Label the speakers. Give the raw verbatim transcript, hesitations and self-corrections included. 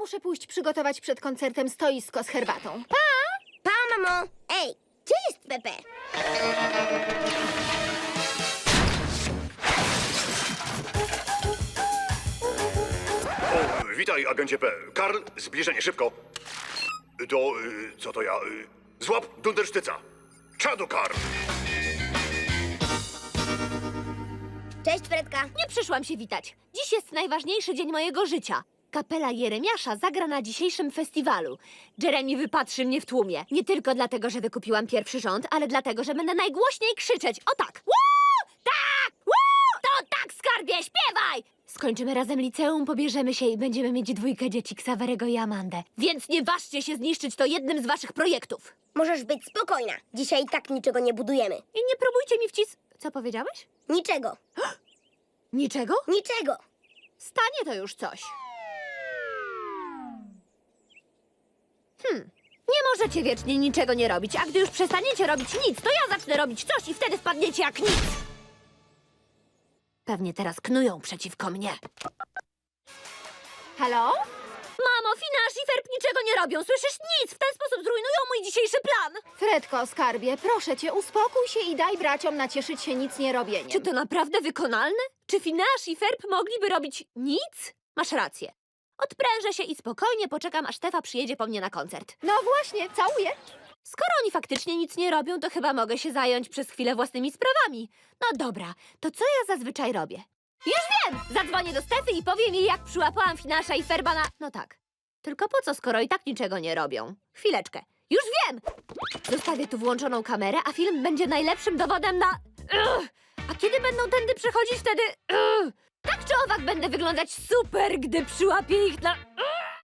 Speaker 1: Muszę pójść przygotować przed koncertem stoisko z herbatą. Pa!
Speaker 2: Pa, mamo! Ej, gdzie jest Pepe?
Speaker 3: O, witaj, agencie P. Karl, zbliżenie, szybko. To, y, co to ja? Y, złap Dundersztyca. Czadu, Karl.
Speaker 2: Cześć, Fredka.
Speaker 4: Nie przyszłam się witać. Dziś jest najważniejszy dzień mojego życia. Kapela Jeremiasza zagra na dzisiejszym festiwalu. Jeremy wypatrzy mnie w tłumie. Nie tylko dlatego, że wykupiłam pierwszy rząd, ale dlatego, że będę najgłośniej krzyczeć. O tak! Woo! Tak! Woo! To tak, skarbie, śpiewaj! Skończymy razem liceum, pobierzemy się i będziemy mieć dwójkę dzieci, Ksawerego i Amandę. Więc nie ważcie się zniszczyć to jednym z waszych projektów.
Speaker 2: Możesz być spokojna. Dzisiaj i tak niczego nie budujemy.
Speaker 4: I nie próbujcie mi wcis... Co powiedziałeś?
Speaker 2: Niczego.
Speaker 4: Niczego?
Speaker 2: Niczego.
Speaker 4: Stanie to już coś. Hmm. Nie możecie wiecznie niczego nie robić, a gdy już przestaniecie robić nic, to ja zacznę robić coś i wtedy wpadniecie jak nic. Pewnie teraz knują przeciwko mnie.
Speaker 1: Halo?
Speaker 4: Mamo, Finasz i Ferb niczego nie robią, słyszysz? Nic! W ten sposób zrujnują mój dzisiejszy plan.
Speaker 1: Fredko, skarbie, proszę cię, uspokój się i daj braciom nacieszyć się nic nie robieniem.
Speaker 4: Czy to naprawdę wykonalne? Czy Finasz i Ferb mogliby robić nic? Masz rację. Odprężę się i spokojnie poczekam, aż Stefa przyjedzie po mnie na koncert.
Speaker 1: No właśnie, całuję.
Speaker 4: Skoro oni faktycznie nic nie robią, to chyba mogę się zająć przez chwilę własnymi sprawami. No dobra, to co ja zazwyczaj robię? Już wiem! Zadzwonię do Stefy i powiem jej, jak przyłapałam Finasza i Ferba na... No tak. Tylko po co, skoro i tak niczego nie robią? Chwileczkę. Już wiem! Zostawię tu włączoną kamerę, a film będzie najlepszym dowodem na... Ugh! A kiedy będą tędy przechodzić, wtedy... Ugh! Tak czy owak będę wyglądać super, gdy przyłapię ich na... Ugh!